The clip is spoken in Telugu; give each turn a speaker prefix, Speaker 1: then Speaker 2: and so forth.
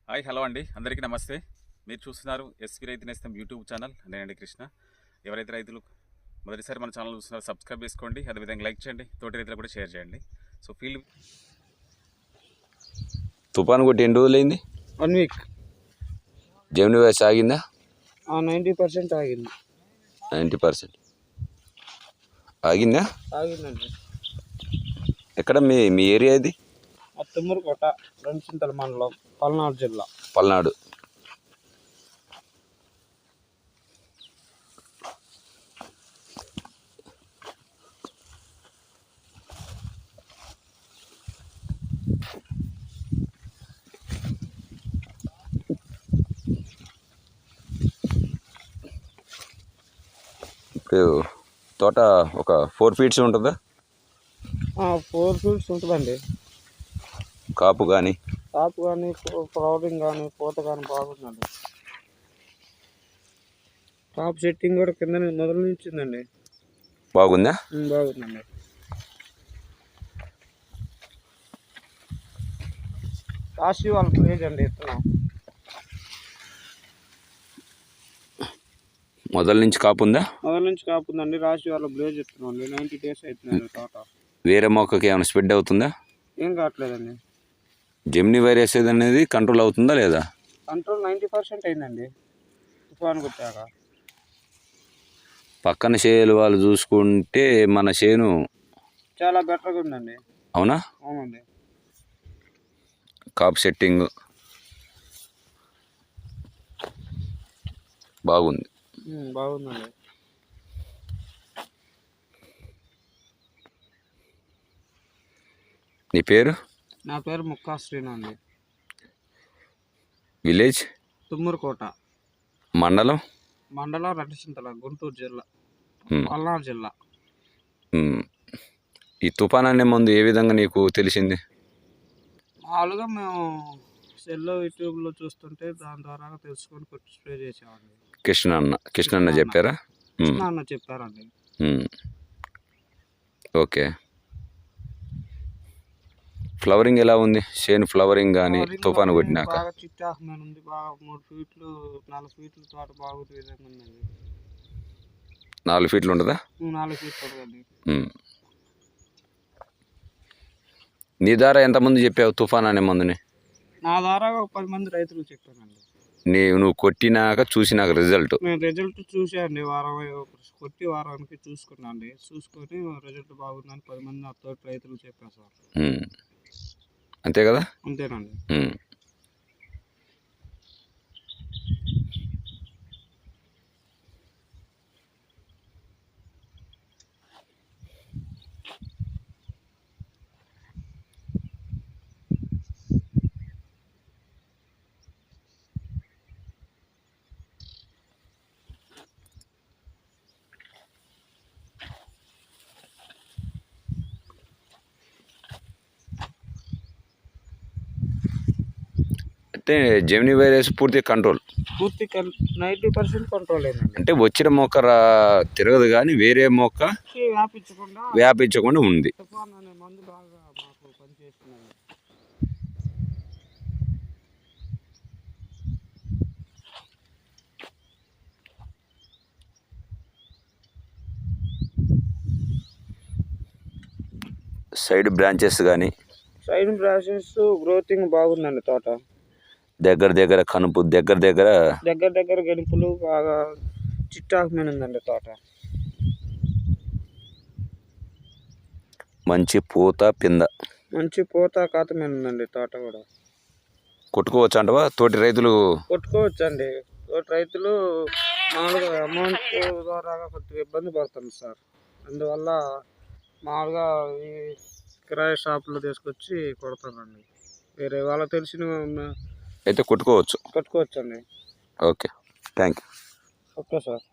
Speaker 1: హాయ్ హలో అండి, అందరికీ నమస్తే. మీరు చూస్తున్నారు ఎస్వి రైతు నేస్తం యూట్యూబ్ ఛానల్. నేనండి కృష్ణ. ఎవరైతే రైతులు మొదటిసారి మన ఛానల్ చూస్తున్నారో సబ్స్క్రైబ్ చేసుకోండి, అదేవిధంగా లైక్ చేయండి, తోటి రైతులు కూడా షేర్ చేయండి. సో ఫీల్డ్
Speaker 2: తుఫాను కొట్టి ఎన్ని రోజులైంది?
Speaker 3: 1 వీక్.
Speaker 2: Gemini voice ఆగిందా?
Speaker 3: 90% ఆగింది.
Speaker 2: 90% ఆగిందా?
Speaker 3: ఆగిందండి.
Speaker 2: ఎక్కడ మీ ఏరియా ఇది?
Speaker 3: తుమ్మూరుకోట, రెండుచింతల మండలం, పల్నాడు జిల్లా.
Speaker 2: పల్నాడు. ఇప్పుడు తోట ఒక 4 ఫీట్స్ ఉంటుందా?
Speaker 3: 4 ఫీట్స్ ఉంటుందండి.
Speaker 2: కాపు కానీ
Speaker 3: ఫ్లవరింగ్ కానీ పూత కానీ బాగుందండి. కాపు సెట్టింగ్ కూడా కింద మొదలు నుంచిందండి.
Speaker 2: బాగుందా?
Speaker 3: బాగుందండి. రాశి వాళ్ళ ప్లేజ్ అండి. ఇస్తున్నాం
Speaker 2: మొదల నుంచి కాపు ఉందా?
Speaker 3: మొదల నుంచి కాపు ఉందండి. రాశి వాళ్ళ బ్లేజ్ ఇస్తున్నాం అండి. 90 days అవుతుందండి తోట.
Speaker 2: వేరే మొక్కకి ఏమైనా స్ప్రెడ్ అవుతుందా?
Speaker 3: ఏం కావట్లేదండి.
Speaker 2: జెమిని వైరస్ అనేది కంట్రోల్ అవుతుందా లేదా?
Speaker 3: కంట్రోల్ 90% అయిందండి తుఫాను కొట్టాక.
Speaker 2: పక్కన చేలు వాళ్ళు చూసుకుంటే మన చేను
Speaker 3: చాలా బెటర్గా ఉందండి.
Speaker 2: అవునా?
Speaker 3: అవునండి.
Speaker 2: కాపు సెట్టింగ్ బాగుంది.
Speaker 3: బాగుందండి.
Speaker 2: నీ పేరు?
Speaker 3: నా పేరు ముక్కా శ్రీను అండి.
Speaker 2: విలేజ్?
Speaker 3: తుమ్మూరుకోట.
Speaker 2: మండలం
Speaker 3: రెండుచింతల, గుంటూరు జిల్లా, పల్నాడు జిల్లా.
Speaker 2: ఈ తుఫాన్ అనే ముందు ఏ విధంగా నీకు తెలిసింది?
Speaker 3: మామూలుగా మేము సెల్లో యూట్యూబ్లో చూస్తుంటే దాని ద్వారా తెలుసుకొని కొట్టి స్ప్రే చేసామండి.
Speaker 2: కృష్ణ అన్న చెప్పారా?
Speaker 3: కృష్ణ అన్న చెప్పారండి.
Speaker 2: ఓకే. ఫ్లవరింగ్ ఎలా ఉంది? చేను ఫ్లవరింగ్ కానీ తుఫాను కొట్టినాక?
Speaker 3: బాగా చిట్టాహమైన ఉంది. బాగా 3 ఫీట్లు 4 ఫీట్లు తోట బాగుంది విధంగా ఉందండి.
Speaker 2: 4 ఫీట్లు ఉంటుందా?
Speaker 3: 4 ఫీట్లు ఉంటుందండి.
Speaker 2: నీ ద్వారా ఎంతమంది చెప్పావు తుఫాన్ అనే మందుని?
Speaker 3: నా ద్వారా ఒక 10 మంది రైతులకు చెప్పానండి.
Speaker 2: నువ్వు కొట్టినాక చూసినాక రిజల్ట్?
Speaker 3: నేను రిజల్ట్ చూసానండి. కొట్టి వారానికి చూసుకున్నాండి. చూసుకొని రిజల్ట్ బాగుందని 10 మంది నా తోటి రైతులకు చెప్పాను సార్.
Speaker 2: అంతే కదా?
Speaker 3: అంతేనండి.
Speaker 2: అంటే జెమిని వైరస్ పూర్తి
Speaker 3: 90% కంట్రోల్ అయిందండి.
Speaker 2: అంటే వచ్చిన మొక్క తిరగదు కానీ వేరే మొక్క వ్యాపించకుండా ఉంది.
Speaker 3: తుఫాన్ అనే మందు బాగా మాకు పనిచేస్తుందండి.
Speaker 2: సైడ్ బ్రాంచెస్
Speaker 3: గ్రోతింగ్ బాగుందండి. తోట
Speaker 2: దగ్గర కనుపు దగ్గర
Speaker 3: గెలుపులు బాగా చిట్టాకమైన ఉందండి. తోట
Speaker 2: మంచి పూత
Speaker 3: కాతమైన ఉందండి. తోట కూడా
Speaker 2: కొట్టుకోవచ్చు అంటవా? తోటి రైతులు
Speaker 3: కొట్టుకోవచ్చండి. తోటి రైతులు మామూలుగా అమౌంట్ ద్వారా కొద్దిగా ఇబ్బంది పడుతుంది సార్. అందువల్ల మామూలుగా ఈ కిరాయి షాపులో తీసుకొచ్చి కొడతానండి. వేరే వాళ్ళకి తెలిసిన
Speaker 2: అయితే కొట్టుకోవచ్చండి.
Speaker 3: కొట్టుకోవచ్చండి.
Speaker 2: Okay, thank you.
Speaker 3: Okay sir.